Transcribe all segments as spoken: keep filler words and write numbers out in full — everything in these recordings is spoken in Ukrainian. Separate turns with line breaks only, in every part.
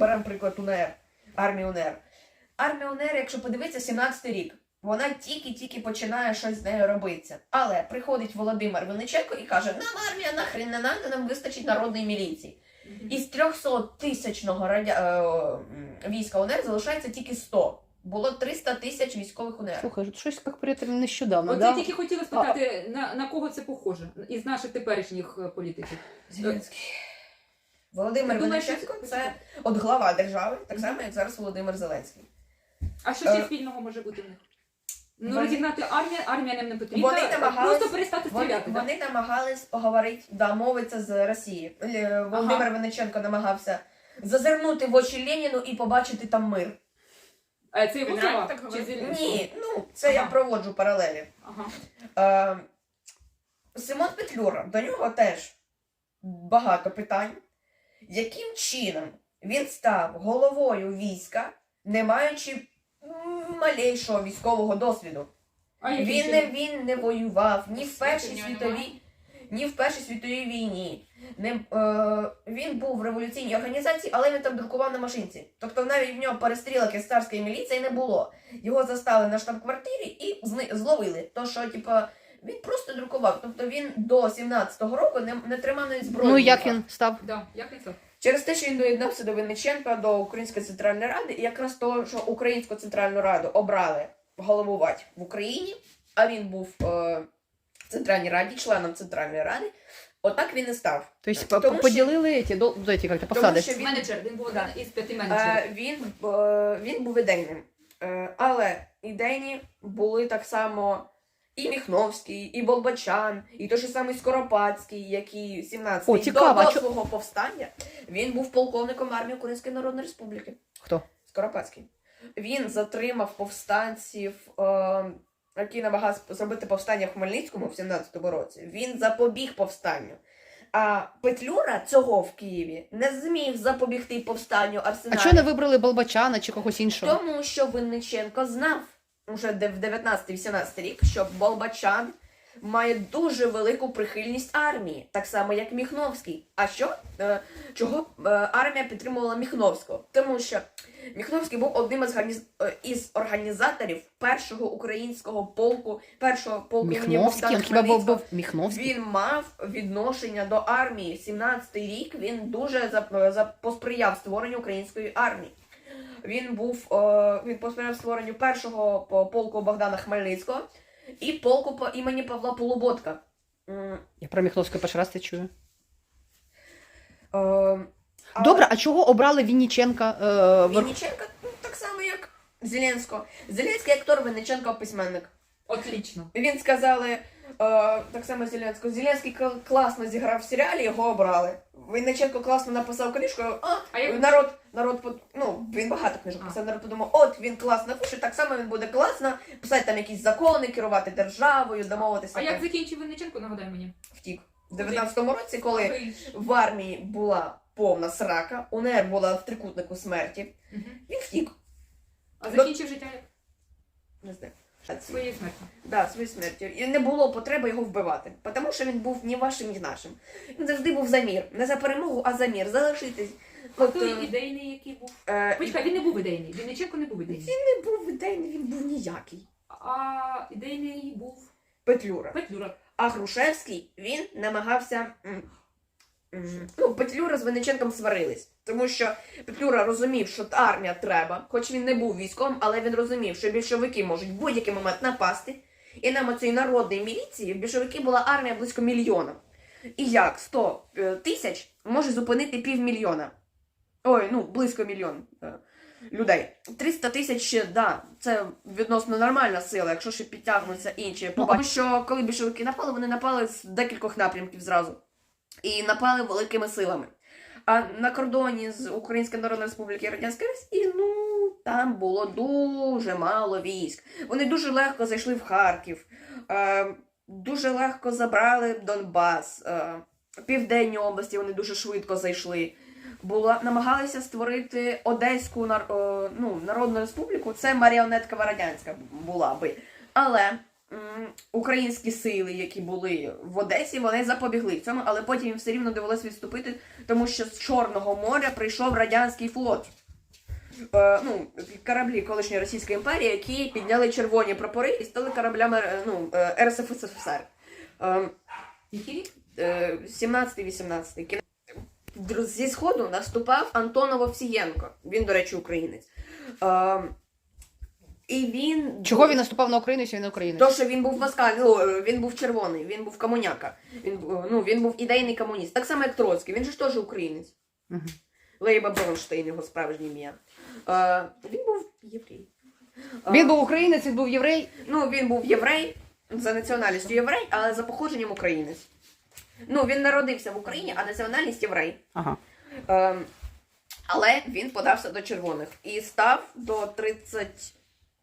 беремо приклад УНР, армії УНР. Армія УНР, якщо подивитися, сімнадцятий рік. Вона тільки-тільки починає щось з нею робитися. Але приходить Володимир Винниченко і каже, нам армія нахрен не надо, нам вистачить народної міліції. Mm-hmm. Із трьохсоттисячного радя... е... війська УНР залишається тільки сто. Було триста тисяч військових УНР.
Слухай, щось як при цьому нещодавно,
От
да?
я тільки хотіла спитати, на, на кого це похоже? Із наших теперішніх політиків.
Зеленський. Володимир Винниченко – це от глава держави, так само, як зараз Володимир Зеленський.
А що ще спільного може бути в них? Ну,
Вони...
розігнати армію, армія нам не потрібна,
вони намагались...
просто перестати стріляти.
Вони, вони намагались поговорити, да, мовитися з Росії. Володимир ага. Винниченко намагався зазирнути в очі Леніну і побачити там мир.
А це його слова?
Ні, ну, це ага. я проводжу паралелі. Ага. Е, Симон Петлюра, до нього теж багато питань. Яким чином він став головою війська, не маючи малейшого військового досвіду? А він, не, він не воював ні в Першій світовій, ні в Першій світовій війні. Не, е, він був в революційній організації, але він там друкував на машинці. Тобто навіть в нього перестрілок із царської міліції не було. Його застали на штаб-квартирі і зловили. То, що, типу, він просто друкував. Тобто він до сімнадцятого року не, не тримав навіть зброю.
Ну, як він став?
Да, як він став?
Через те, що він доєднався до Винниченка, до Української Центральної Ради, і якраз того, що Українську Центральну Раду обрали головувати в Україні, а він був е, в Центральній Раді, членом Центральної Ради, отак він і став.
Тобто тому, поділили що... ці, до, до ці, як посади?
Він... Менеджер, він був один із п'яти менеджерів.
Е, він, е, він був ідейним, е, але ідейні були так само і Міхновський, і Болбочан, і той же самий Скоропадський, який сімнадцятий до, до свого повстання, він був полковником армії Української Народної Республіки.
Хто?
Скоропадський. Він затримав повстанців, е, які намагались зробити повстання в Хмельницькому в сімнадцятому році. Він запобіг повстанню. А Петлюра цього в Києві не зміг запобігти повстанню Арсеналі.
А чого не вибрали Болбочана чи когось іншого?
Тому що Винниченко знав уже в дев'ятнадцятий-вісімнадцятий рік, що Болбочан має дуже велику прихильність армії, так само як Міхновський. А що? Е, чого е, армія підтримувала Міхновського? Тому що Міхновський був одним із, гарниз... із організаторів першого українського полку, першого полку імені Богдана Хмельницького. Він мав відношення до армії. сімнадцятий рік він дуже за... За... посприяв створенню української армії. Він був, е, він посприяв створенню першого полку Богдана Хмельницького і полку по імені Павла Полуботка.
Я про Міхновського перший раз це чую.
Е, але...
Добре, а чого обрали Винниченка? Е,
Винниченка ну, так само, як Зеленського. Зеленський актор, Винниченко письменник.
Отлично.
Він сказали, е, так само Зеленського, Зеленський класно зіграв в серіалі, його обрали. Винниченко класно написав книжку, а, а як... народ, народ, ну, він багато книжок писав, народ подумав, от він класно пише, так само він буде класно писати там якісь закони, керувати державою, домовитися.
А як закінчив Винниченко, нагадай мені?
Втік. В дев'ятнадцятому році, коли в армії була повна срака, УНР була в трикутнику смерті, угу. він втік.
А закінчив життя як?
Не знаю.
Своєю смертю.
Да, своєю смертю. І не було потреби його вбивати. Тому що він був ні вашим, ні нашим. Він завжди був за мір. Не за перемогу, а за мір. Залишитись.
А От, той ідейний, який був? Е... Почекай, він не був ідейний. Винниченко не був ідейний.
Він не був ідейний, він був ніякий.
А ідейний був?
Петлюра.
Петлюра.
А Грушевський, він намагався... Ну, Петлюра з Винниченком сварились. Тому що Петлюра розумів, що армія треба, хоч він не був військовим, але він розумів, що більшовики можуть в будь-який момент напасти. І нам цієї народної міліції в більшовики була армія близько мільйона. І як сто тисяч може зупинити півмільйона? Ой, ну, близько мільйон людей. триста тисяч, да, це відносно нормальна сила, якщо ще підтягнуться інші. Тому що коли більшовики напали, вони напали з декількох напрямків зразу. І напали великими силами. А на кордоні з Української Народної Республіки і Радянської Росії, ну, там було дуже мало військ. Вони дуже легко зайшли в Харків, е, дуже легко забрали Донбас, е, Південні області вони дуже швидко зайшли. Була, намагалися створити Одеську нар, е, ну, Народну Республіку, це маріонеткова радянська була би. Але м, українські сили, які були в Одесі, вони запобігли цьому, але потім їм все рівно довелося відступити, тому що з Чорного моря прийшов радянський флот. Е, ну, кораблі колишньої Російської імперії, які підняли червоні прапори і стали кораблями е, ну, е, ер ес еф ес ес ер. Е,
Який рік?
е, сімнадцятий-вісімнадцятий. Кін- Др- Зі сходу наступав Антонов Овсієнко. Він, до речі, українець. Е, і він...
Чого він наступав на Україну, якщо він не українець?
То, що він був москаль, ну, він був червоний, він був комуняка. Він, бу- ну, він був ідейний комуніст. Так само, як Троцький. Він же ж теж українець.
Угу.
Лейба Бронштейн, його справжнє ім'я. Е, він був єврей. Е,
Він був українець, він був єврей.
Ну, він був єврей, за національністю єврей, але за походженням українець. Ну, він народився в Україні, а національність єврей.
Ага.
Е, але він подався до червоних і став до тридцять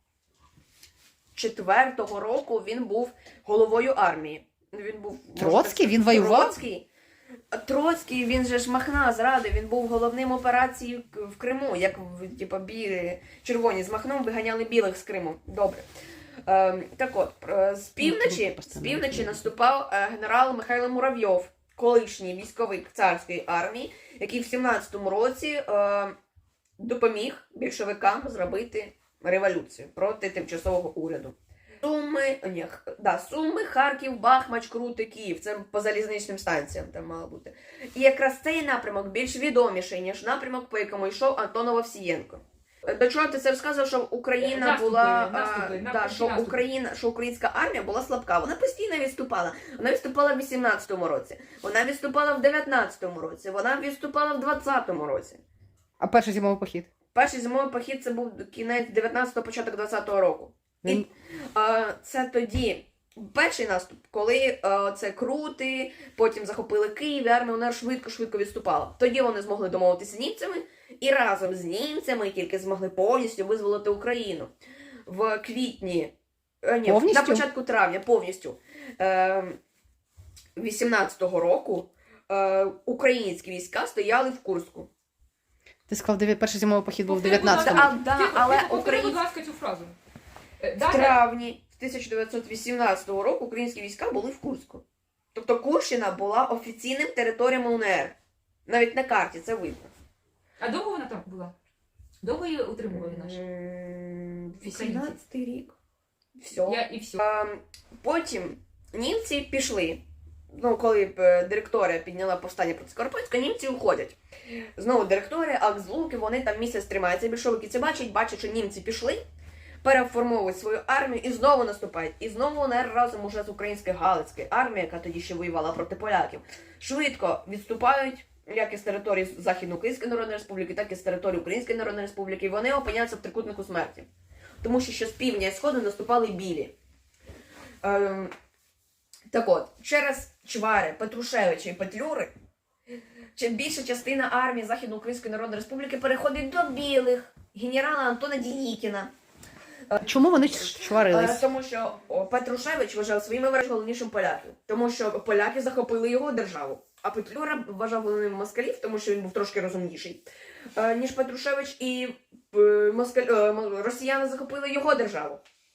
четвертого року він був головою армії. Він був можна
Троцький?
сказати,
Він воював?
Троцький. Троцький, він же ж Махна зрадив, він був головним операції в Криму, як типу, білі, червоні з Махном виганяли білих з Криму. Добре. Ем, так от, е, з півночі, з півночі наступав е, генерал Михайло Муравйов, колишній військовик царської армії, який в сімнадцятому році е, допоміг більшовикам зробити революцію проти тимчасового уряду. Суми, ні, х- да, Суми, Харків, Бахмач, Крути, Київ. Це по залізничним станціям там мало бути. І якраз цей напрямок більш відоміший, ніж напрямок, по якому йшов Антонов Овсієнко. До чого ти це розказував, що Україна
Наступи,
була,
наступи,
а,
на-
да, що
наступи.
Україна, що українська армія була слабка. Вона постійно відступала. Вона відступала в вісімнадцятому році, вона відступала в дев'ятнадцятому році, вона відступала в двадцятому році.
А перший зимовий похід?
Перший зимовий похід це був кінець дев'ятнадцятого, початок двадцятого року. І
Він...
е, це тоді перший наступ, коли е, це Крути, потім захопили Київ, і армія вона швидко-швидко відступала. Тоді вони змогли домовитися з німцями, і разом з німцями тільки змогли повністю визволити Україну. В квітні, е, ні,
Повністю?
на початку травня повністю е, вісімнадцятого року е, українські війська стояли в Курську.
Ти сказав, дев'я- перший зимовий похід був в
Повтори, будь ласка,
дев'ятнадцятому.
А, да,
Тихо,
але
тихо, повтори,
Україн-
будь ласка, цю фразу. Е,
В
далі.
травні тисяча дев'ятсот вісімнадцятого року українські війська були в Курську. Тобто Курщина була офіційним територієм УНР. Навіть на карті це видно.
А довго вона там була? Довго її утримували наші?
М, вісімнадцятий рік. Все.
Я і все.
Ем, Потім німці пішли. Ну, коли е, директорія підняла повстання проти Скоропадського, німці уходять. Знову директорія, Акзлуки, вони там місяць тримаються. Більшовики це бачать, бачать, що німці пішли, переформовують свою армію і знову наступають. І знову УНР разом уже з українською Галицькою армією, яка тоді ще воювала проти поляків, швидко відступають, як із території Західноукраїнської Народної Республіки, так і з території Української Народної Республіки. І вони опиняються в трикутнику смерті. Тому що ще з півдня і сходу наступали білі. Ем, так от, через Чвари, Петрушевича і Петлюри чи- більша частина армії Західноукраїнської Народної Республіки переходить до білих, генерала Антона Дінікіна.
Чому вони
Е,
чварились?
Тому що о, Петрушевич вважав своїми ворогами головнішим поляків. Тому що поляки захопили його державу. А Петлюра вважав головним москалів, тому що він був трошки розумніший, е, ніж Петрушевич, і е, москаль, е, м- росіяни захопили його державу.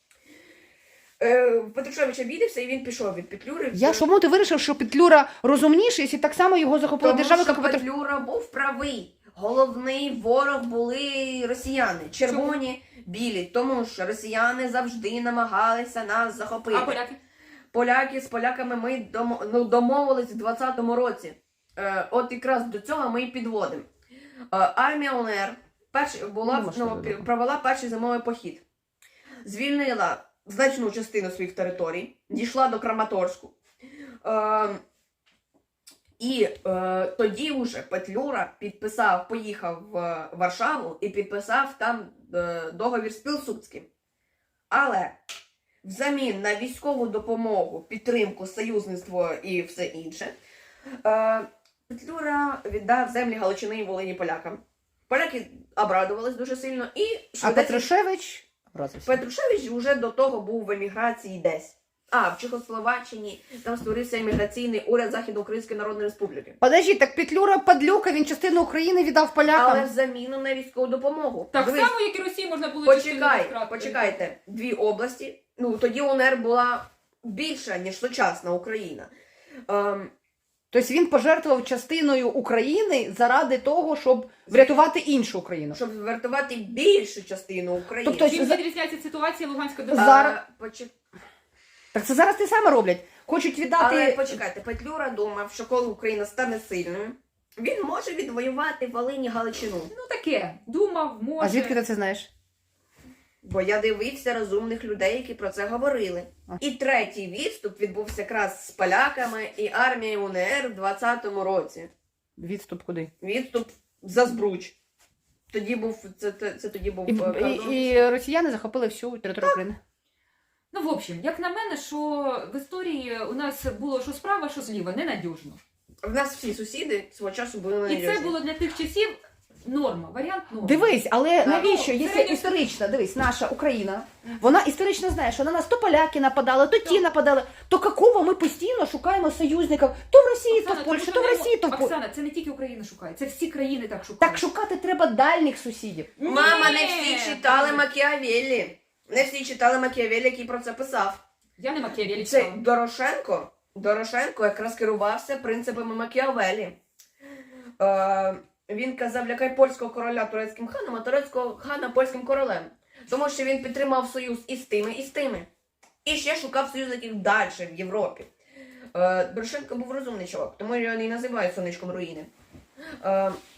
Е, Петрушевич обідався і він пішов від Петлюри.
Я чому ти вирішив, що Петлюра розумніший, якщо так само його захопила
Тому
держава,
що
як і Петру...
Петлюра був правий. Головний ворог були росіяни. Червоні, білі. Тому що росіяни завжди намагалися нас захопити.
А поляки?
Поляки з поляками ми домо, ну, домовились в двадцятому році. Е, от якраз до цього ми і підводимо. Е, армія УНР перш, була,
Ну,
ну,
можливо.
провела перший зимовий похід. Звільнила значну частину своїх територій, дійшла до Краматорську. Е, і е, тоді вже Петлюра підписав, поїхав в Варшаву і підписав там е, договір з Пілсудським. Але взамін на військову допомогу, підтримку, союзництво і все інше, е, Петлюра віддав землі Галичини і Волині полякам. Поляки обрадувались дуже сильно і
А
швидесенько-
Петрушевич образився.
Петрушевич вже до того був в еміграції десь. А, в Чехословаччині там створився імміграційний уряд Західноукраїнської Народної Республіки.
Подожди, так Петлюра падлюка, він частину України віддав полякам.
Але в заміну на військову допомогу.
Так
Дивись,
само, як і Росії можна було частину
почекай,
втрат-
почекайте. Дві області. Ну, тоді УНР була більша, ніж сучасна Україна. Ем,
Тобто він пожертвував частиною України заради того, щоб врятувати іншу Україну.
щоб вартувати більшу частину України.
Тобто,
Чим
за-
відрізняється ситуація Луганська
А,
Донецька?
зараз-
почек-
Так це зараз те саме роблять. Хочуть віддати.
Але почекайте, Петлюра думав, що коли Україна стане сильною, він може відвоювати Волинь і Галичину.
Ну таке, думав, може.
А звідки ти це знаєш?
Бо я дивився розумних людей, які про це говорили.
А.
І третій відступ відбувся якраз з поляками і армією УНР в двадцятому році.
Відступ куди?
Відступ за Збруч. Тоді був це, це, це тоді був
І,
е, кордон.
і, і росіяни захопили всю територію України.
Ну, в общем, як на мене, що в історії у нас було що справа, що зліва, ненадіжно.
В нас всі сусіди свого часу були
І
ненадіжні.
це було для тих часів норма, варіант норма.
Дивись, але
Так.
навіщо,
Ну,
якщо
середньо-
історично, дивись, наша Україна, вона історично знає, що на нас то поляки нападали, то ті нападали, то какого ми постійно шукаємо союзників, то в Росії, то
Оксана,
в Польщі,
тому
то в
що не
Росії, то в
мо-
Польщі.
Оксана, це не тільки Україна шукає, це всі країни так шукають.
Так шукати треба дальніх сусідів.
Мама, не
Ні!
всі читали Макіавеллі. Не всі читали Макіавеллі, який про це писав.
Я не Макіавеллі
Це
читала.
Дорошенко. Дорошенко якраз керувався принципами Макіавеллі. Е, він казав, лякай польського короля турецьким ханом, а турецького хана польським королем. Тому що він підтримав союз і з тими, і з тими. І ще шукав союзників далі в Європі. Е, Дорошенко був розумний чоловік, тому його і називають сонечком руїни. Е,